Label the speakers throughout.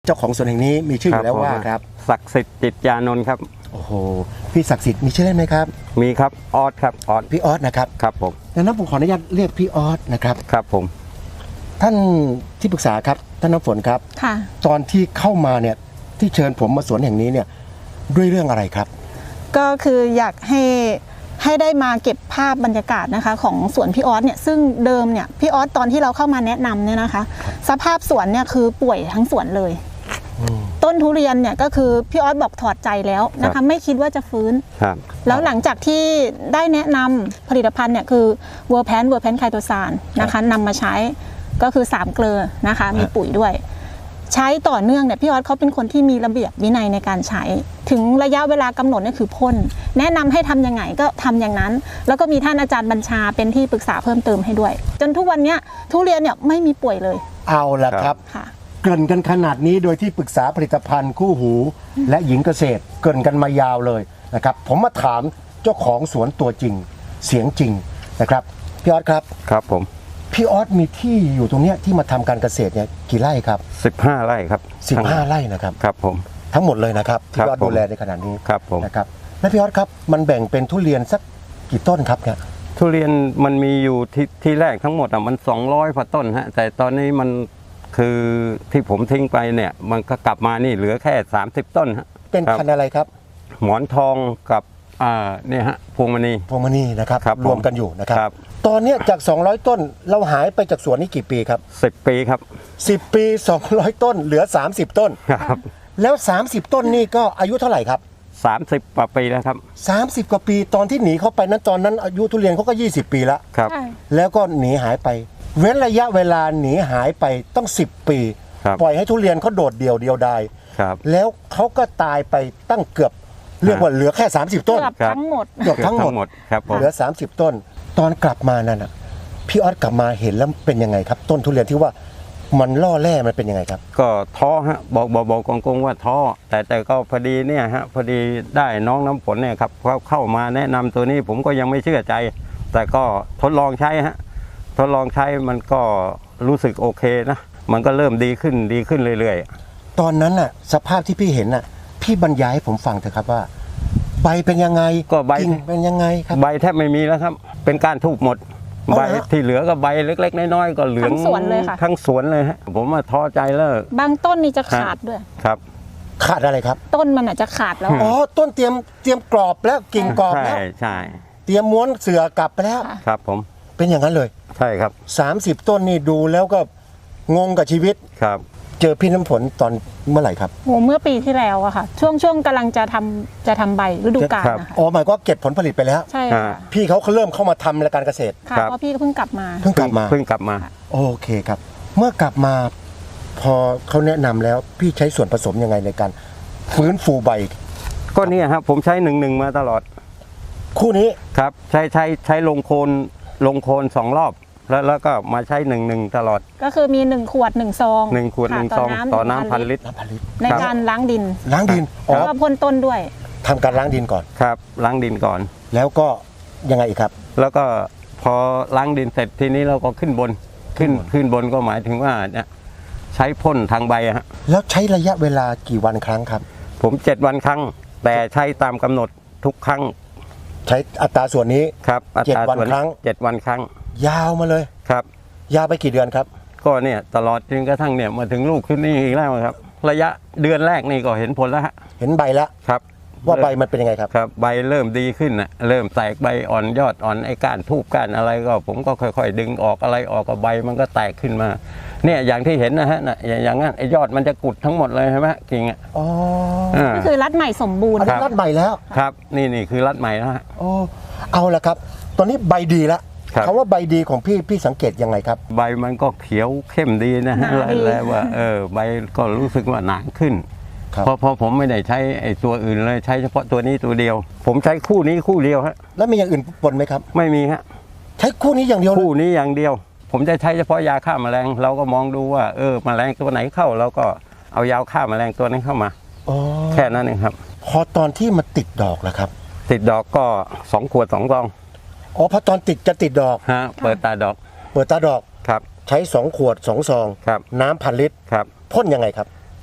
Speaker 1: เจ้าของสวนแห่งนี้มีชื่ออยู่แล้วว่าครับ
Speaker 2: ศักดิ์สิทธิ์จิตยานนท์ครับ
Speaker 1: โอ้โหพี่ศักดิ์สิทธิ์มีชื่อเล่นไหมครับ
Speaker 2: มีครับออสครับออส
Speaker 1: พี่ออสนะครับ
Speaker 2: ครับผม
Speaker 1: ดังนั้นผมขออนุญาตเรียกพี่ออสนะครับ
Speaker 2: ครับผม
Speaker 1: ท่านที่ปรึกษาครับท่านน้ำฝนครับ
Speaker 3: ค่ะ
Speaker 1: ตอนที่เข้ามาเนี่ยที่เชิญผมมาสวนแห่งนี้เนี่ยด้วยเรื่องอะไรครับ
Speaker 3: ก็คืออยากให้ได้มาเก็บภาพบรรยากาศนะคะของสวนพี่ออสเนี่ยซึ่งเดิมเนี่ยพี่ออสตอนที่เราเข้ามาแนะนำเนี่ยนะคะสภาพสวนเนี่ยคือป่วยทั้งสวนเลยต้นทุเรียนเนี่ยก็คือพี่ออสบอกถอดใจแล้วนะคะไม่คิดว่าจะฟื้นแล้วหลังจากที่ได้แนะนำผลิตภัณฑ์เนี่ยคือเวอร์แพนไคโตซานนะคะนำมาใช้ก็คือ3เกลือนะคะมีปุ๋ยด้วยใช้ต่อเนื่องเนี่ยพี่ออสเขาเป็นคนที่มีระเบียบวินัยในการใช้ถึงระยะเวลากำหนดเนี่ยคือพ่นแนะนำให้ทำยังไงก็ทำอย่างนั้นแล้วก็มีท่านอาจารย์บัญชาเป็นที่ปรึกษาเพิ่มเติมให้ด้วยจนทุกวันนี้ทุเรียนเนี่ยไม่มีป่วยเลย
Speaker 1: เอาละครับเกริ่นกันขนาดนี้โดยที่ปรึกษาผลิตภัณฑ์คู่หูและหญิงเกษตรเกริ่นกันมายาวเลยนะครับผมมาถามเจ้าของสวนตัวจริงเสียงจริงนะครับพี่ออสครับ
Speaker 2: ครับผม
Speaker 1: พี่ออสมีที่อยู่ตรงนี้ที่มาทำการเกษตรเนี่ยกี่ไร่ครับ
Speaker 2: 15 ไร่ครับ
Speaker 1: 15 ไร่นะครับ
Speaker 2: ครับผม
Speaker 1: ทั้งหมดเลยนะครับที่พี่ออสดูแลในขณะนี้
Speaker 2: ครับผม
Speaker 1: นะครับและพี่ออสครับมันแบ่งเป็นทุเรียนสักกี่ต้นครับเนี่ย
Speaker 2: ทุเรียนมันมีอยู่ที่แรกทั้งหมดมัน200กว่าต้นฮะแต่ตอนนี้มันคือที่ผมทิ้งไปเนี่ยมันก็กลับมานี่เหลือแค่30 ต้นฮะ
Speaker 1: เป็นพันธุ์อะไรครับ
Speaker 2: หมอนทองกับเนี่ยฮะพวงมณี
Speaker 1: นะครับรวมกันอยู่นะครับตอนนี้จาก200ต้นเราหายไปจากสวนนี้กี่ปีครับ
Speaker 2: 10 ปีครับ
Speaker 1: 10 ปี200ต้นเหลือ30ต้น
Speaker 2: ครับ
Speaker 1: แล้ว30ต้นนี่ก็อายุเท่าไหร่ครับ
Speaker 2: 30 กว่าปีแล้วครับ
Speaker 1: 30 กว่าปีตอนที่หนีเข้าไปนั้นตอนนั้นอายุทุเรียนเขาก็20 ปีแล้ว
Speaker 2: ครับ
Speaker 1: แล้วก็หนีหายไปเว้นระยะเวลาหนีหายไปต้อง10 ปีปล่อยให้ทุเรียนเขาโดดเดี่ยวดายแล้วเขาก็ตายไปตั้งเกือบเรียกว่าเหลือแค่30ต้น
Speaker 3: เกือบทั้งหมด
Speaker 2: ครับ
Speaker 1: เหลือ30ต้นตอนกลับมานั่นน่ะพี่ออสกลับมาเห็นแล้วเป็นยังไงครับต้นทุเรียนที่ว่ามันล่อแร่มันเป็นยังไงครับ
Speaker 2: ก็ท้อฮะบอกกงว่าท้อแต่ก็พอดีเนี่ยฮะพอดีได้น้องน้ำฝนเนี่ยครับเขาเข้ามาแนะนำตัวนี้ผมก็ยังไม่เชื่อใจแต่ก็ทดลองใช้ฮะทดลองใช้มันก็รู้สึกโอเคนะมันก็เริ่มดีขึ้นเรื่อย
Speaker 1: ๆตอนนั้นน่ะสภาพที่พี่เห็นน่ะพี่บรรยายให้ผมฟังเถอะครับว่าใบเป็นยังไง
Speaker 2: ก็ใบ
Speaker 1: เป็นยังไงครับ
Speaker 2: ใบแทบไม่มีแล้วครับเป็นการทูบหมดใบที่เหลือก็ใบเล็กๆน้อยๆก็เหลือง
Speaker 3: ทั้งสวนเลยค่ะ
Speaker 2: ทั้งสวนเลยฮะผมว่าท้อใจแล้ว
Speaker 3: บางต้นนี่จะขาดด้วย
Speaker 2: ครับ
Speaker 1: ขาดอะไรครับ
Speaker 3: ต้นมันอาจจะขาดแล้ว
Speaker 1: อ๋อต้นเตรียมกรอบแล้วกิ่งกรอบแล้ว
Speaker 2: ใช่
Speaker 1: เตรียมม้วนเสื่อกลับไปแล้ว
Speaker 2: ครับผม
Speaker 1: เป็นอย่างนั้นเลย
Speaker 2: ใช่ครับ
Speaker 1: 30ต้นนี่ดูแล้วก็งงกับชีวิต
Speaker 2: ครับ
Speaker 1: เจอพี่น้ำฝนตอนเมื่อไหร่ครับ
Speaker 3: โอ้เมื่อปีที่แล้วอะค่ะช่วงกำลังจะทำใบฤดูกาลนะคะ
Speaker 1: อ๋อหมายก็เก็บผลผลิตไปแล้ว
Speaker 3: ใช่ค่ะ
Speaker 1: พี่เขาเริ่มเข้ามาทำรายการเกษตร
Speaker 3: ค่ะเพราะพี่ก็เพิ่งกลับมา
Speaker 1: โอเคครับเมื่อกลับมาพอเขาแนะนำแล้วพี่ใช้ส่วนผสมยังไงในการฟื้นฟูใบ
Speaker 2: ก็นี่ครับผมใช้1-1มาตลอด
Speaker 1: คู่นี้
Speaker 2: ครับใช้ลงโคน2 รอบแล้วก็มาใช้1-1ตลอด
Speaker 3: ก็คือมี1 ขวด 1 ซอง
Speaker 2: 1 ขวด 1 ซองต่อน้ำ1,000 ลิตร
Speaker 3: ในการล้างดิน
Speaker 1: แล้ว
Speaker 3: ก็พ่นต้นด้วย
Speaker 1: ทำการล้างดินก่อน
Speaker 2: ครับล้างดินก่อน
Speaker 1: แล้วก็ยังไงอีกครับ
Speaker 2: แล้วก็พอล้างดินเสร็จทีนี้เราก็ขึ้นบนก็หมายถึงว่าเนี่ยใช้พ่นทางใบฮะ
Speaker 1: แล้วใช้ระยะเวลากี่วันครั้งครับ
Speaker 2: ผม7 วันครั้งแต่ใช้ตามกำหนดทุกครั้ง
Speaker 1: ใช้อัตราส่วนนี้
Speaker 2: ครับ
Speaker 1: 7 วันครั้ง
Speaker 2: 7 วันครั้ง
Speaker 1: ยาวมาเลย
Speaker 2: ครับ
Speaker 1: ยาวไปกี่เดือนครับ
Speaker 2: ก็เนี่ยตลอดจนกระทั่งเนี่ยมาถึงลูกขึ้นนี่อีกแล้วครับระยะเดือนแรกนี่ก็เห็นผลแล้วฮะ
Speaker 1: เห็นใบแล้ว
Speaker 2: ครับ
Speaker 1: ว่าใบมันเป็นยังไงครับ
Speaker 2: ครับใบเริ่มดีขึ้นนะเริ่มแตกใบอ่อนยอดอ่อนไอ้ก้านทูบก้านอะไรก็ผมก็ค่อยๆดึงออกอะไรออกกับใบมันก็แตกขึ้นมาเนี่ยอย่างที่เห็นนะฮะอย่างนั้นไอ้ยอดมันจะกุดทั้งหมดเลยใช่ไหมกิ่งอ่ะ
Speaker 1: อ๋อ
Speaker 3: ก็คือรัดใหม่สมบูรณ์
Speaker 1: รัดใหม่แล้ว
Speaker 2: ครับนี่คือรัดใหม่แล้วฮะ
Speaker 1: อ๋อเอาละครับตอนนี้ใบดีแล้วคำว่าใบดีของพี่สังเกตยังไงครับ
Speaker 2: ใบมันก็เขียวเข้มดีนะฮะแล้วว่าใบก็รู้สึกว่าหนาขึ้นเพราะผมไม่ได้ใช้ไอ้ตัวอื่นเลยใช้เฉพาะตัวนี้ตัวเดียวผมใช้คู่นี้คู่เดียวฮะ
Speaker 1: แล้วมีอย่างอื่นปนไหมครับ
Speaker 2: ไม่มีฮะ
Speaker 1: ใช้คู่นี้อย่างเดียว
Speaker 2: คู่นี้อย่างเดียวผมจะใช้เฉพาะยาฆ่าแมลงเราก็มองดูว่าแมลงตัวไหนเข้าเราก็เอายาฆ่าแมลงตัวนั้นเข้ามาแค่นั้นเองครับ
Speaker 1: พอตอนที่มันติดดอกแล้วครับ
Speaker 2: ติดดอกก็2 ขวด 2 ซอง
Speaker 1: อ๋อพอตอนจะติดดอก
Speaker 2: ฮะเปิดตาดอก
Speaker 1: ครับใช้2 ขวด 2 ซอง
Speaker 2: ครับ
Speaker 1: น้ำ1,000 ลิตร
Speaker 2: ครับ
Speaker 1: พ่นยังไงครับ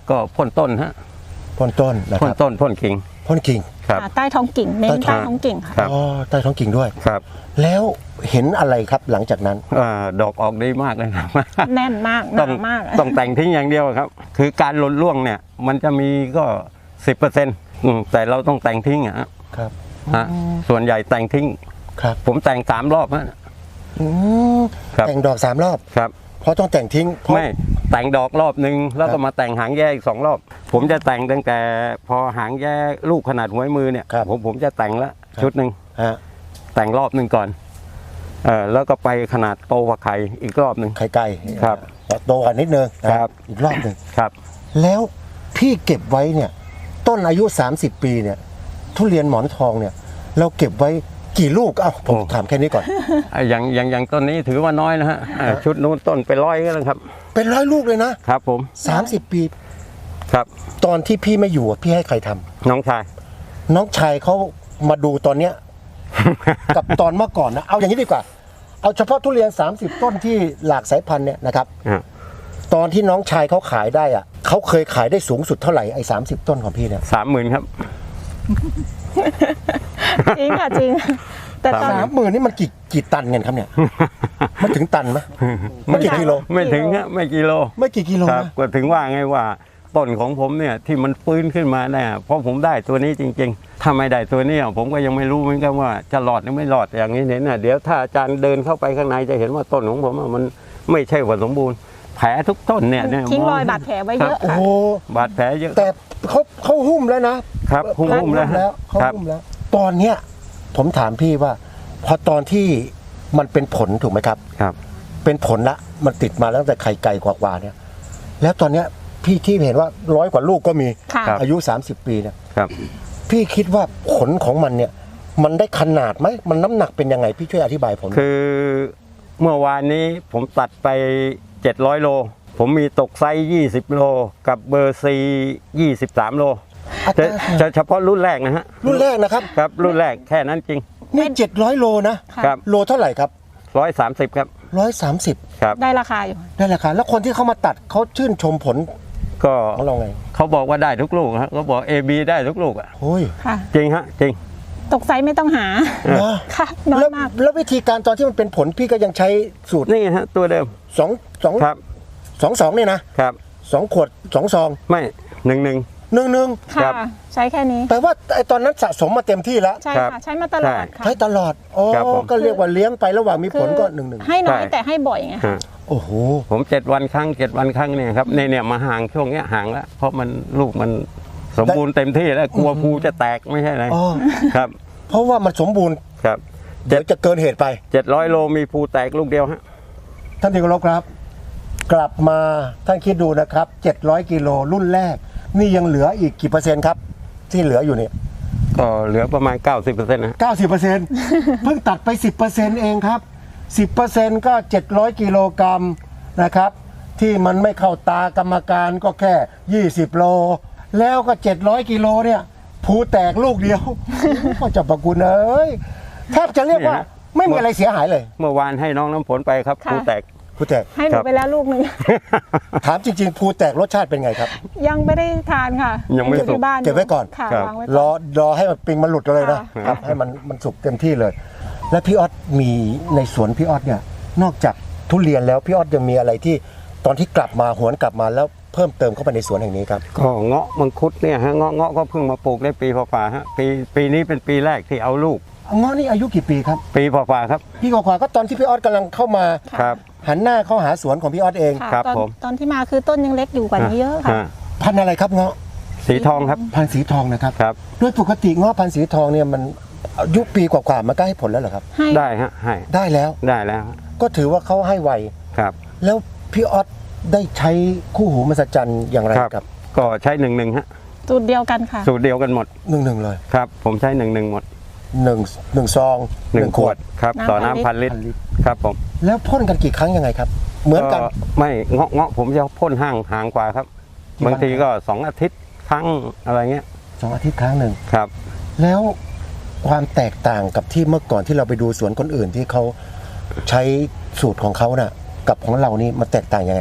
Speaker 2: ก็พ่นต้นฮะ
Speaker 1: พ่นต้นนะค
Speaker 2: พ่น
Speaker 1: รับ
Speaker 2: ต้นพ่นกิ่ง
Speaker 1: พ่นกิ่ง
Speaker 2: ครับ
Speaker 3: ใต้ท้องกิ่งเน้น
Speaker 1: ใต้
Speaker 3: ใต้
Speaker 1: ท้อง
Speaker 3: ท้องกิ่งค่ะ
Speaker 2: ครับ
Speaker 1: อ๋อใต้ท้องกิ่งด้วย
Speaker 2: ครับ
Speaker 1: แล้วเห็นอะไรครับหลังจากนั้น
Speaker 2: ดอกออกดีมากเลยครับ
Speaker 3: แน่นมากห
Speaker 2: ต้อ
Speaker 3: นาง มาก
Speaker 2: ต้องแต่งทิ้งอย่างเดียวครับ คือการหล่นร่วงเนี่ยมันจะมีก็ 10%แต่เราต้องแต่งทิ้งอะฮะ
Speaker 1: ครับ
Speaker 2: ส่วนใหญ่แต่งทิ้ง
Speaker 1: ครับ
Speaker 2: ผมแต่ง3 รอบฮะ
Speaker 1: อืม
Speaker 2: ครับ
Speaker 1: แต่งดอก3 รอบ
Speaker 2: ครับ
Speaker 1: เพราะต้องแต่งทิ้งเพราะ
Speaker 2: ไม่แต่งดอกรอบนึงแล้ว
Speaker 1: ครั
Speaker 2: ก็
Speaker 1: บ
Speaker 2: มาแต่งหางแย่อีก2 รอบ ผมจะแต่งตั้งแต่พอหางแย่ลูกขนาดหัวมือเนี่ย
Speaker 1: ครับ
Speaker 2: ผมจะแต่งละชุดหนึ่ง
Speaker 1: ฮะ
Speaker 2: แต่งรอบหนึ่งก่อนแล้วก็ไปขนาดโตกว่าไข่อีกรอบหนึ่ง
Speaker 1: ไข่ไก่
Speaker 2: ครับ
Speaker 1: โตกว่านิดนึงนะครับ อีกรอบหนึ่ง
Speaker 2: ครับ
Speaker 1: แล้วพี่เก็บไว้เนี่ยต้นอายุ 30 ปีเนี่ยทุเรียนหมอนทองเนี่ยเราเก็บไว้กี่ลูกเอ้าผมถามแค่นี้ก่อน
Speaker 2: อย่างต้นนี้ถือว่าน้อยนะฮะชุดนู้นต้นไป100ก็แล้วครับ
Speaker 1: เป็น100 ลูกเลยนะครับ
Speaker 2: ผม
Speaker 1: 30 ปี
Speaker 2: ครับ
Speaker 1: ตอนที่พี่ไม่อยู่อะพี่ให้ใครทำ
Speaker 2: น้องชาย
Speaker 1: น้องชายเขามาดูตอนเนี้ย กับตอนเมื่อก่อนนะเอาอย่างนี้ดีกว่า เอาเฉพาะทุเรียน 30 ต้นที่หลากสายพันธุ์เนี่ยนะครับ ตอนที่น้องชายเขาขายได้อะเขาเคยขายได้สูงสุดเท่าไหร่ไอ้30 ต้นของพี่เนี่ย
Speaker 2: 30,000ครับ
Speaker 3: จริงค่ะจริง แต่ตอน
Speaker 1: 30,000นี่มันกี่ตันกันครับเนี่ย มันถึงตันไหมมันกี่กิโล
Speaker 2: ไม่ถึงฮะไม่กิโล
Speaker 1: ไม่กี่กิโล
Speaker 2: ครับ
Speaker 1: นะ
Speaker 2: ก็ถึงว่าไงว่าต้นของผมเนี่ยที่มันฟื้นขึ้นมาเนี่ยเพราะผมได้ตัวนี้จริงๆ ถ้าไม่ได้ตัวนี้ผมก็ยังไม่รู้เหมือนกันว่าจะหลอดหรือไม่หลอดอย่างนี้เนี่ยเดี๋ยวถ้าอาจารย์เดินเข้าไปข้างในจะเห็นว่าต้นของผมอะมันไม่ใช่ว่าสมบูรณ์แผลทุกต้นเนี่ย
Speaker 3: ทิ้งรอยบาดแผลไว้เยอะ
Speaker 1: โอ้
Speaker 3: ค่ะ
Speaker 1: โห
Speaker 2: บาดแผลเยอะ
Speaker 1: แต่เขาหุ้มแล้วนะครับ
Speaker 2: หุ้มแล้ว
Speaker 1: เขา
Speaker 2: ครับ
Speaker 1: หุ้มแล้ว ตอนเนี้ยผมถามพี่ว่า พอตอนที่มันเป็นผลถูกไหมครับ
Speaker 2: ครับ
Speaker 1: เป็นผลละมันติดมาแล้วตั้งแต่ไข่ไก่กว่าๆเนี่ย แล้วตอนเนี้ยพี่ที่เห็นว่า100 กว่าลูกก็มี
Speaker 3: ค่ะ
Speaker 1: อายุ 30 ปีเนี่ย
Speaker 2: ครับ
Speaker 1: พี่คิดว่าผลของมันเนี่ย มันได้ขนาดไหมมันน้ำหนักเป็นยังไงพี่ช่วยอธิบายผม
Speaker 2: คือเมื่อวานนี้ผมตัดไป700 โล ผมมีตกไซส์20 โลกับเบอร์ซี23 โล
Speaker 1: อัตรา
Speaker 2: จะเฉพาะรุ่นแรกนะฮะ
Speaker 1: รุ่นแรกนะครับ
Speaker 2: ครับรุ่นแรกแค่นั้นจริง
Speaker 1: นี่700 โลนะ
Speaker 3: ค่ะ
Speaker 2: ครับ
Speaker 1: โลเท่าไหร่ครับ
Speaker 2: 130ครับ
Speaker 1: 130
Speaker 2: ครับ
Speaker 3: ได้ราคาอยู่
Speaker 1: ได้ราคาแล้วคนที่เขามาตัดเขาชื่นชมผล
Speaker 2: ก็
Speaker 1: ของเราไง
Speaker 2: เขาบอกว่าได้ทุกลูกฮะเขาบอก AB ได้ทุกลูกอ่ะ
Speaker 1: โอ้ย
Speaker 3: ค่ะ
Speaker 2: จริงฮะจริง
Speaker 3: ตกไซส์ไม่ต้องหา
Speaker 1: นะ
Speaker 3: ค่ะน้อย
Speaker 1: แล้ว
Speaker 3: มาก
Speaker 1: แล้ววิธีการตอนที่มันเป็นผลพี่ก็ยังใช้สูตร
Speaker 2: นี่ฮะตัวเดิม
Speaker 1: 2
Speaker 2: ครับ
Speaker 1: 2เนี่ยนะครับ 2 ขวด 2 ซอง
Speaker 2: ไม่หนึ่ง
Speaker 1: 1
Speaker 3: ค่ะ
Speaker 2: ครับ
Speaker 3: ใช้แค่นี้
Speaker 1: แปลว่าไอ้ตอนนั้นสะสมมาเต็มที่แล้ว
Speaker 3: ใช่
Speaker 2: ครับ
Speaker 3: ค่ะใช้มาตลอดค่ะ
Speaker 1: ใช้ตลอดอ๋อ
Speaker 2: ครับผม
Speaker 1: ก็เรียกว่าเลี้ยงไประหว่างมีผลก็
Speaker 3: คือ
Speaker 1: 1
Speaker 3: ให้น้อย
Speaker 2: ใช่
Speaker 3: แต่ให้บ่อยไง
Speaker 2: ฮะ
Speaker 1: โอ้โห
Speaker 2: ผม7 วันครั้ง7 วันครั้งเนี่ยครับเนี่ยมาห่างช่วงเนี้ยห่างแล้วเพราะมันลูกมันสมบูรณ์เต็มที่แล้วกลัวภูจะแตกไม่ใช่อะไร
Speaker 1: อ๋อ
Speaker 2: ครับ
Speaker 1: เพราะว่ามันสมบูรณ์
Speaker 2: ครับ
Speaker 1: เดี๋ยวจะเกินเหตุไป
Speaker 2: 700 โลมีภูแตกลูกเดียวฮะ
Speaker 1: ท่านที่เคารพครับ กลับมาท่านคิดดูนะครับ 700 กิโลรุ่นแรก นี่ยังเหลืออีกกี่เปอร์เซ็นต์ครับ ที่เหลืออยู่เนี่ย
Speaker 2: ก็เหลือประมาณ 90%นะ
Speaker 1: 90%เพิ่งตัดไป 10%เองครับ 10%ก็ 700 กิโลกรัมนะครับ ที่มันไม่เข้าตากรรมการก็แค่ 20 โล แล้วก็ 700 กิโลเนี่ยภูแตกลูกเดียว ก็จะประกุณเอ้ยแทบจะเรียกว่าไม่มีอะไรเสียหายเลย
Speaker 2: เมื่อวานให้น้องน้ำฝนไปครับ
Speaker 3: ค่ะ
Speaker 2: ภูแตก
Speaker 1: ภูแตก
Speaker 3: ให้หนูไปแล้วลูกหนึ่ง
Speaker 1: ถามจริงๆภูแตกรสชาติเป็นไงครับ
Speaker 3: ยังไม่ได้ทานค่ะ
Speaker 2: ยังไม่
Speaker 3: อ
Speaker 2: สุก
Speaker 3: ที่บ้าน
Speaker 1: เก็บไว้ก่อน
Speaker 3: ค่ะ
Speaker 2: ครับ
Speaker 3: วางไว้
Speaker 1: ร
Speaker 3: ก่
Speaker 1: อ
Speaker 3: อน
Speaker 1: รอให้มันปิงมันหลุดกันเลยนะ
Speaker 3: ค่ะ
Speaker 1: ครับให้มันสุกเต็มที่เลย และพี่ออสมีในสวนพี่ออสเนี่ยนอกจากทุเรียนแล้วพี่ออสยังมีอะไรที่ตอนที่กลับมาหวนกลับมาแล้วเพิ่มเติมเข้าไปในสวนแห่งนี้ครับ
Speaker 2: ก็เงาะมังคุดเนี่ยฮะเงาะก็เพิ่งมาปลูกได้ปีฝ่าๆฮะปีนี้เป็นปีแรกที่เอาลูก
Speaker 1: เงาะนี่อายุกี่ปีครับ
Speaker 2: ปีฝ่าๆครับ
Speaker 1: พี่กว่าๆก็ตอนที่พี่ออสกำลังเข้ามา
Speaker 2: ครับ
Speaker 1: หันหน้าเข้าหาสวนของพี่ออสเอง
Speaker 3: ค่ะ
Speaker 2: ครับ
Speaker 3: ตอน
Speaker 2: ผม
Speaker 3: ตอนที่มาคือต้นยังเล็กอยู่กว่านี้เยอะค่ะ
Speaker 1: พันธุ์อะไรครับเงาะ
Speaker 2: สีทองครับ
Speaker 1: พันธุ์สีทองนะครับ
Speaker 2: ครับ
Speaker 1: โดยปกติเงาะพันธุ์สีทองเนี่ยมันอายุปีกว่าๆมันก็ให้ผลแล้วเหรอครับ
Speaker 3: ให้
Speaker 2: ได้ฮะให้
Speaker 1: ได้แล้ว
Speaker 2: ได้แล้วฮะ
Speaker 1: ก็ถือว่าเขาให้ไว
Speaker 2: ครับ
Speaker 1: แล้วพี่ออสได้ใช้คู่หูมหัศจรรย์อย่างไรครับ
Speaker 2: ก็ใช้1ฮะ
Speaker 3: สูตรเดียวกันค่ะ
Speaker 2: สูตรเดียวกันหมด
Speaker 1: 1เลย
Speaker 2: ครับ ผมใช้1หมด
Speaker 1: 1ซอง
Speaker 2: 1 ขวดครับ
Speaker 3: น้ำ
Speaker 2: ต่อ
Speaker 3: 1,000
Speaker 2: น้ำพันลิตรครับผม
Speaker 1: แล้วพ่นกันกี่ครั้งยังไงครับ เหมือนกัน
Speaker 2: ไม่เงาะผมจะพ่นห่างกว่าครับ
Speaker 1: กี่วัน
Speaker 2: บางทีก็2 อาทิตย์ครั้งอะไรเงี้ย
Speaker 1: 2 อาทิตย์ครั้งหนึ่ง
Speaker 2: ครับ
Speaker 1: แล้วความแตกต่างกับที่เมื่อก่อนที่เราไปดูสวนคนอื่นที่เขาใช้สูตรของเขาน่ะกับของเรานี่มันแตกต่างยังไงครับ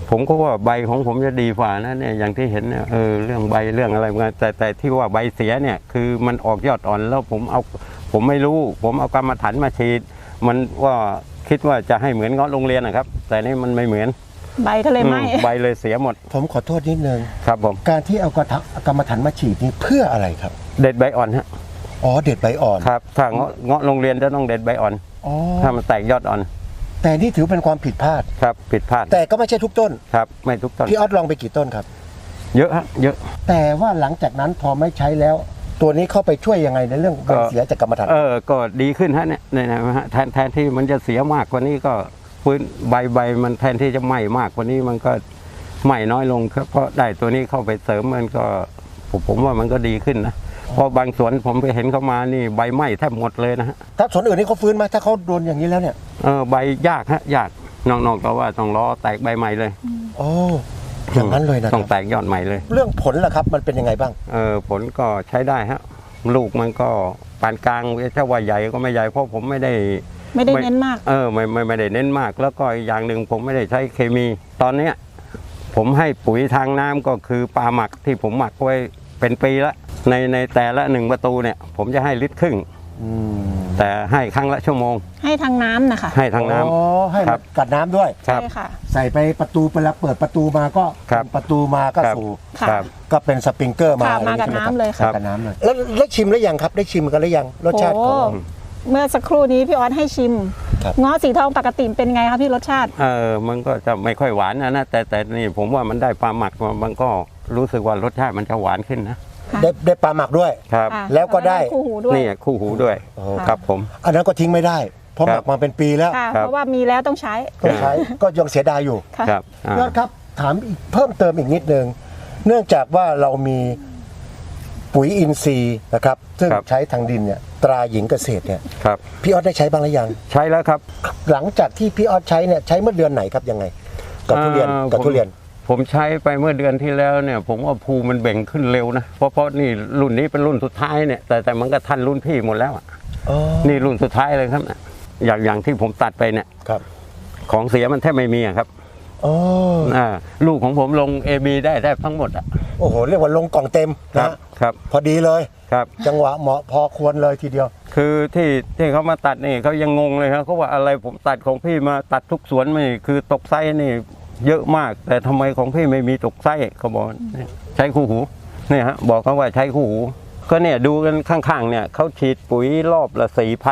Speaker 2: ผมก็ว่าใบของผมจะดีกว่านะเนี่ยอย่างที่เห็นเนี่ยเรื่องใบเรื่องอะไรมาแต่ที่ว่าใบเสียเนี่ยคือมันออกยอดอ่อนแล้วผมไม่รู้ผมเอากรรมฐานมาฉีดมันว่าคิดว่าจะให้เหมือนเงาะโรงเรียนนะครับ แต่นี่มันไม่เหมือน
Speaker 3: ใบก็เลยไหม
Speaker 2: ใบเลยเสียหมด
Speaker 1: ผมขอโทษนิดนึง
Speaker 2: ครับผม
Speaker 1: การที่เอากรรมฐานมาฉีดนี่เพื่ออะไรครับ
Speaker 2: เด็ดใบอ่อนฮะ
Speaker 1: อ๋อเด็ดใบอ่อน
Speaker 2: ครับถ้าเงาะโรงเรียนจะต้องเด็ดใบอ่อน
Speaker 1: อ๋อ
Speaker 2: ถ้ามันแตกยอดอ่อน
Speaker 1: แต่นี่ถือเป็นความผิดพลาด
Speaker 2: ครับผิดพลาด
Speaker 1: แต่ก็ไม่ใช่ทุกต้น
Speaker 2: ครับไม่ทุกต้น
Speaker 1: พี่ออสลองไปกี่ต้นครับ
Speaker 2: เยอะฮะเยอะ
Speaker 1: แต่ว่าหลังจากนั้นพอไม่ใช้แล้ว ตัวนี้เข้าไปช่วยยังไงในเรื่องใบเสียจากกรรมฐาน
Speaker 2: ก็ดีขึ้นฮะเนี่ยนะฮะแทนที่มันจะเสียมากกว่านี้ก็ฟื้นใบมันแทนที่จะไหม้มากกว่านี้มันก็ไหม้น้อยลงครับเพราะได้ตัวนี้เข้าไปเสริมมันก็ผมว่ามันก็ดีขึ้นนะเพราะบางสวนผมไปเห็นเขามานี่ใบไหม้แทบหมดเลยนะฮะ
Speaker 1: ถ้าสวนอื่นนี่เขาฟื้นไหมถ้าเขาโดนอย่างนี้แล้วเนี่ย
Speaker 2: ใบยากฮะยากนอกจากว่าต้องรอแตกใบใหม่เลย
Speaker 1: โอ้อย่างนั้นเลยนะค
Speaker 2: ต้อ
Speaker 1: รั
Speaker 2: ง
Speaker 1: บ
Speaker 2: แตกยอดใหม่เลย
Speaker 1: เรื่องผลล่ะครับมันเป็นยังไงบ้าง
Speaker 2: ผลก็ใช้ได้ฮะลูกมันก็ปานกลางถ้าว่าใหญ่ก็ไม่ใหญ่เพราะผมไม่ได้
Speaker 3: เน้นมาก
Speaker 2: ไม่ได้เน้นมากแล้วก็อีกอย่างหนึ่งผมไม่ได้ใช้เคมี ตอนเนี้ยผมให้ปุ๋ยทางน้ำก็คือปลาหมักที่ผมหมักไว้เป็นปีละในแต่ละ1ประตูเนี่ยผมจะให้ลิตรครึ่งแต่ให้ครั้งละชั่วโมง
Speaker 3: ให้ทางน้ำนะคะ
Speaker 2: ให้ทางน้ำ
Speaker 1: อ๋อให้
Speaker 2: ครั
Speaker 1: มัน
Speaker 2: บ
Speaker 1: กัดน้ำด้วย
Speaker 2: ครับ
Speaker 3: ใช่ค่ะ
Speaker 1: ใส่ไปประตูเวลาเปิดประตูมาก็
Speaker 2: ครับ
Speaker 1: ประตูมาก็
Speaker 2: ครับ
Speaker 1: สู่
Speaker 3: ค่ะ
Speaker 2: ครับ
Speaker 1: ก็เป็นสปริงเกอร์มา
Speaker 3: ค่ะ
Speaker 1: อะไร
Speaker 3: มากับ
Speaker 1: ใช่ไห
Speaker 3: น้ำเลย
Speaker 1: ค
Speaker 3: ค่ะ
Speaker 1: รับกับน้ำเลยแล้วชิมหรือยังครับได้ชิมกันหรือยังรสชาติของ
Speaker 3: โอ้เมื่อสักครู่นี้พี่ออสให้ชิม
Speaker 1: ครับ
Speaker 3: เงาะสีทองปกติเป็นไงคะพี่รสชาติ
Speaker 2: มันก็จะไม่ค่อยหวานนะแต่นี่ผมว่ามันได้ปลาหมักมามันก็รู้สึกว่ารสชาติมันจะหวานขึ้นนะ
Speaker 3: ค่ะ
Speaker 1: ได้ปลาหมักด้วย
Speaker 2: ครับ
Speaker 3: ค่ะ
Speaker 1: แล้วก็ได้
Speaker 3: คู่หูด้วย
Speaker 2: นี่คู่หูด้วย
Speaker 1: โอ้
Speaker 2: ครับผม
Speaker 1: อันนั้นก็ทิ้งไม่ได้เพราะ
Speaker 2: ค
Speaker 1: ห
Speaker 2: รับ
Speaker 1: มักมาเป็นปีแล้ว
Speaker 3: ค่ะ
Speaker 2: ครับ
Speaker 3: เพราะว่ามีแล้วต้องใช้
Speaker 1: ก็ใช้ก็ยังเสียดายอยู่
Speaker 3: ค่ะ
Speaker 2: ครับ
Speaker 1: ยอดครับถามอีกเพิ่มเติมอีกนิดนึงเนื่องจากว่าเรามีปุ๋ยอินทรีย์นะครับซึ่งใช้ทางดินเนี่ยตราหญิงเกษตรเนี่ย
Speaker 2: ครับ
Speaker 1: พี่ออสได้ใช้บ้างหรือยัง
Speaker 2: ใช้แล้วครับ
Speaker 1: หลังจากที่พี่ออสใช้เนี่ยใช้เมื่อเดือนไหนครับยังไงกับทุเรียนกับทุเรียน
Speaker 2: ผมใช้ไปเมื่อเดือนที่แล้วเนี่ยผมว่าภูมันเบ่งขึ้นเร็วนะเพราะนี่รุ่นนี้เป็นรุ่นสุดท้ายเนี่ยแต่มันก็ทันรุ่นพี่หมดแล้วอะ
Speaker 1: อ๋อ
Speaker 2: นี่รุ่นสุดท้ายเลยครับเนี่ยอย่างที่ผมตัดไปเนี่ย
Speaker 1: ครับ
Speaker 2: ของเสียมันแทบไม่มีอะครับ
Speaker 1: อ๋อ
Speaker 2: ลูกของผมลง AB ได้แทบทั้งหมดอ่ะ
Speaker 1: โอ้โหเรียกว่าลงกล่องเต็ม
Speaker 2: ครั
Speaker 1: นะ
Speaker 2: บครับ
Speaker 1: พอดีเลย
Speaker 2: ครับ
Speaker 1: จังหวะเหมาะพอควรเลยทีเดียว
Speaker 2: คือที่เขามาตัดนี่เขายังงงเลยครับเขาว่าอะไรผมตัดของพี่มาตัดทุกสวนไม่คือตกไส้นี่เยอะมาก แต่ทำไมของพี่ไม่มีตกไส้เขาบอกเนี่ยใช้คู่หูเนี่ยฮะบอกเขาว่าใช้คู่หูก็เนี่ยดูกันข้างๆเนี่ยเขาฉีดปุ๋ยรอบละ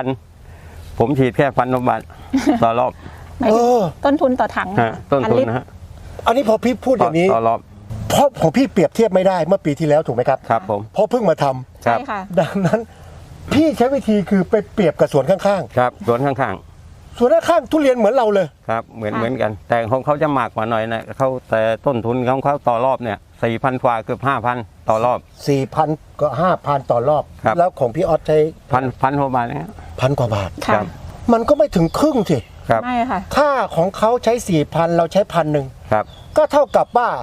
Speaker 2: 4,000ผมฉีดแค่1,000 บาทต่อรอบ
Speaker 3: หมายถึง
Speaker 1: เออ
Speaker 3: ต้นทุนต่อถัง
Speaker 2: ฮะต้นทุนนะฮะ
Speaker 1: อันนี้พอพี่พูดอย่างนี้
Speaker 2: ต่อรอบ
Speaker 1: เพราะของพี่เปรียบเทียบไม่ได้เมื่อปีที่แล้วถูกไหมครับ
Speaker 2: ครับผม
Speaker 1: เพราะเพิ่งมาทำ
Speaker 2: ครั
Speaker 3: ใช่
Speaker 2: บ
Speaker 3: ค่ะ
Speaker 1: ดังนั้น พี่ใช้วิธีคือไปเปรียบกับสวนข้าง
Speaker 2: ครับสวนข้าง
Speaker 1: ๆสวนข้างๆทุเรียนเหมือนเราเลย
Speaker 2: ๆครับเหมือน
Speaker 3: ค่ะ
Speaker 2: เหมือนกัน แต่ของเขาจะมากกว่าหน่อยนะเขาแต่ต้นทุนของเขาต่อรอบเนี่ย4,000 กว่าเกือบ5,000 ต่อรอบ
Speaker 1: 4,000 ก็ 5,000 ต่อรอบ
Speaker 2: ครับ
Speaker 1: แล้วของพี่ออสใช้
Speaker 2: พันกว่าบาทนะฮะ
Speaker 1: 1,000 กว่าบาท
Speaker 3: ค่ะ
Speaker 1: มันก็ไม่ถึงครึ่งสิ
Speaker 2: ครับ
Speaker 3: ไม่ค่ะ
Speaker 1: ค่าของเขาใช้ 4,000 เราใช้1,000
Speaker 2: ครับ
Speaker 1: ก็เท่ากับว่า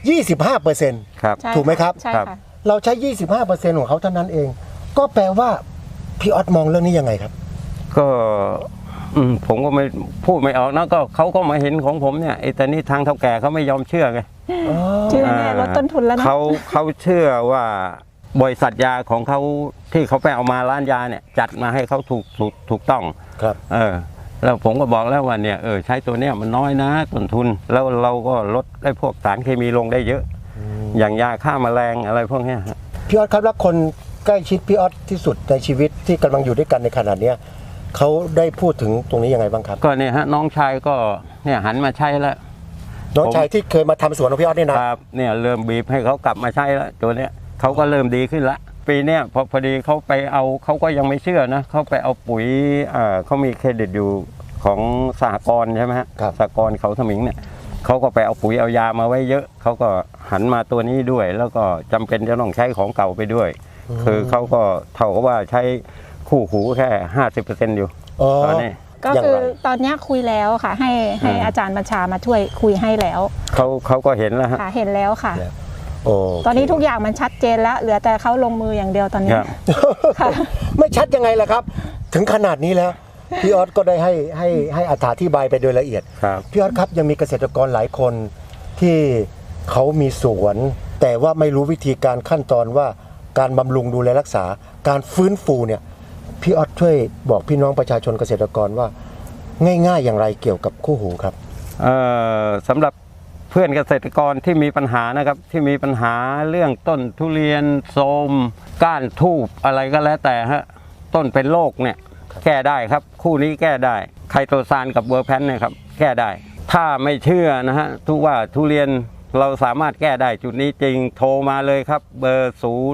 Speaker 1: 25%
Speaker 2: ครับ
Speaker 3: ใช่
Speaker 1: ถูกไหมครับ
Speaker 3: ใช่
Speaker 2: ครับ
Speaker 3: ค่ะ
Speaker 1: เราใช้ 25%ของเขาเท่านั้นเอง ก็แปลว่าพี่ออสมองเรื่องนี้ยังไงครับ
Speaker 2: ก็ผมก็ไม่พูดไม่ออกนะก็เขาก็มาเห็นของผมเนี่ยไอ้แต่นี่ทางเท่าแก่เขาไม่ยอมเชื่อไง
Speaker 3: ชื่อแน่ลดต้นทุนแล้วนะ
Speaker 2: เขาเชื่อว่าบริษัทยาของเขาที่เขาไปเอามาร้านยาเนี่ยจัดมาให้เขาถูกต้อง
Speaker 1: ครับ
Speaker 2: แล้วผมก็บอกแล้วว่าเนี่ยใช้ตัวเนี้ยมันน้อยนะต้นทุนแล้วเราก็ลดได้พวกสารเคมีลงได้เยอะ อย่างยาฆ่าแมลงอะไรพวกเนี้ยฮะ
Speaker 1: พี่ออสครับแล้วคนใกล้ชิดพี่ออสที่สุดในชีวิตที่กำลังอยู่ด้วยกันในขณะเนี้ยเขาได้พูดถึงตรงนี้ยังไงบ้างครับ
Speaker 2: ก็เนี่ยฮะน้องชายก็เนี่ยหันมาใช้แล้ว
Speaker 1: น้องชายที่เคยมาทำสวนของพี่ออสเนี่ยนะครับ
Speaker 2: เนี่ยเริ่มบีบให้เขากลับมาใช้แล้วตัวเนี้ยเขาก็เริ่มดีขึ้นละปีเนี้ยพอดีเขาไปเอาเขาก็ยังไม่เชื่อนะเขาไปเอาปุ๋ยเขามีเครดิตอยู่ของสหกรณ์ใช่ไหมฮะสหกรณ์เขาสมิงเนี่ยเขาก็ไปเอาปุ๋ยเอายามาไว้เยอะเขาก็หันมาตัวนี้ด้วย แล้วก็จำเป็นจะต้องใช้ของเก่าไปด้วย คือเขาก็เท่ากับว่าใช้คู่หูแค่ 50% อยู่
Speaker 1: อ๋อ
Speaker 2: ตอนนี้
Speaker 3: ก็
Speaker 1: อย่าง
Speaker 3: คือ
Speaker 1: ไร
Speaker 3: ตอนเนี้ยคุยแล้วค่ะ ให้อาจารย์บัญชามาช่วยคุยให้แล้ว
Speaker 2: เขาก็เห็นแล้วฮะ
Speaker 3: ค่ะเห็นแล้วค่ะ
Speaker 1: โอ้
Speaker 3: ตอนนี้ทุกอย่างมันชัดเจนแล้วเหลือแต่เขาลงมืออย่างเดียวตอนนี้
Speaker 2: ครับ
Speaker 3: ค่ะ
Speaker 1: ไม่ชัดยังไงล่ะครับ ถึงขนาดนี้แล้วพี่ออสก็ได้ให้อธิบายไปโดยละเอียด
Speaker 2: ครับ
Speaker 1: พี่ออสครับยังมีเกษตรกรหลายคนที่เขามีสวน แต่ว่าไม่รู้วิธีการขั้นตอนว่าการบำรุงดูแลรักษาการฟื้นฟูเนี่ยพี่ออสช่วยบอกพี่น้องประชาชนเกษตรกรว่าง่ายๆอย่างไรเกี่ยวกับคู่หูครับ
Speaker 2: สำหรับเพื่อนเกษตรกรที่มีปัญหานะครับที่มีปัญหาเรื่องต้นทุเรียนโทรมก้านทูบอะไรก็แล้วแต่ฮะต้นเป็นโรคเนี่ยแก้ได้ครับคู่นี้แก้ได้ไคโตซานกับเวอร์แพนเนี่ยครับแก้ได้ถ้าไม่เชื่อนะฮะทุกว่าทุเรียนเราสามารถแก้ได้จุดนี้จริงโทรมาเลยครับเบอร์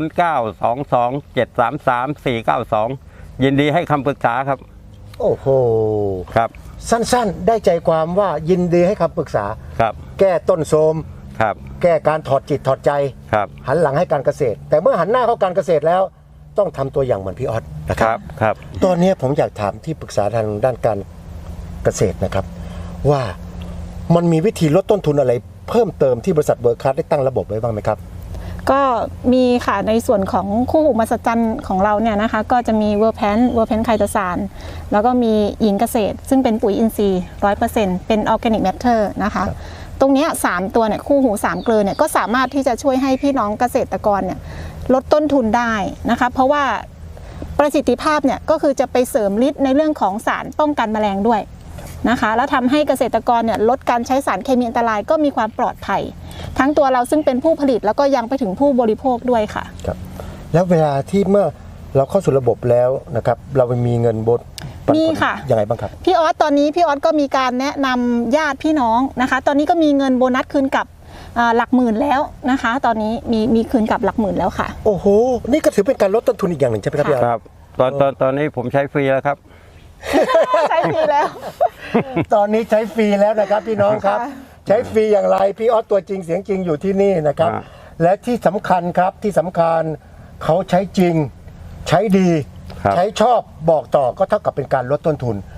Speaker 2: 0922733492 ยินดีให้คำปรึกษาครับ
Speaker 1: โอ้โห
Speaker 2: ครับ
Speaker 1: สั้นๆได้ใจความว่ายินดีให้คำปรึกษา
Speaker 2: ครับ
Speaker 1: แก้ต้นโทรม
Speaker 2: ครับ
Speaker 1: แก้การถอดจิตถอดใจ
Speaker 2: ครับ
Speaker 1: หันหลังให้การเกษตร แต่เมื่อหันหน้าเข้าการเกษตรแล้วต้องทำตัวอย่างเหมือนพี่ออสนะค
Speaker 2: ค
Speaker 1: รั
Speaker 2: รับ บครับ
Speaker 1: ตอนนี้ผมอยากถามที่ปรึกษาทางด้านการเกษตรนะครับ ว่ามันมีวิธีลดต้นทุนอะไรเพิ่มเติมที่บริษัทเวิร์คคลาสได้ตั้งระบบไว้บ้างไหมครับ
Speaker 3: ก็มีค่ะในส่วนของคู่หูมหัศจรรย์ของเราเนี่ยนะคะก็จะมีเวอร์แพนไคโตซานแล้วก็มีหญิงเกษตร ซึ่งเป็นปุ๋ยอินทรีย์ 100% เป็นออร์แกนิกแมทเทอร์นะคะตรงเนี้ย3ตัวเนี่ยคู่หู3เกลือเนี่ยก็สามารถที่จะช่วยให้พี่น้องเกษตรกรเนี่ยลดต้นทุนได้นะคะเพราะว่าประสิทธิภาพเนี่ยก็คือจะไปเสริมฤทธิ์ในเรื่องของสารป้องกันแมลงด้วยนะคะแล้วทำให้เกษตรกรเนี่ยลดการใช้สารเคมีอันตรายก็มีความปลอดภัยทั้งตัวเราซึ่งเป็นผู้ผลิตแล้วก็ยังไปถึงผู้บริโภคด้วยค่ะ
Speaker 1: ครับแล้วเวลาที่เมื่อเราเข้าสู่ระบบแล้วนะครับเรามีเงินบด
Speaker 3: มีค่ะ
Speaker 1: ยังไงบ้างครับ
Speaker 3: พี่ออสตอนนี้พี่ออสก็มีการแนะนำญาติพี่น้องนะคะตอนนี้ก็มีเงินโบนัสคืนกลับหลักหมื่นแล้วนะคะตอนนี้มีคืนกลับหลักหมื่นแล้วค่ะ
Speaker 1: โอ้โหนี่ก็ถือเป็นการลดต้นทุนอีกอย่างหนึ่งใช่ไหมครับพี่ออส
Speaker 2: ครับตอนนี้ผมใช้ฟรีแล้วครับ
Speaker 3: ใช้ฟรีแล้ว
Speaker 1: ตอนนี้ใช้ฟรีแล้วนะครับพี่น้องครับใช้ฟรีอย่างไรพี่ออสตัวจริงเสียงจริงอยู่ที่นี่นะครับและที่สำคัญครับที่สำคัญเขาใช้จริงใช้ดีใช้ชอบบอกต่อก็เท่ากับเป็นการลดต้นทุน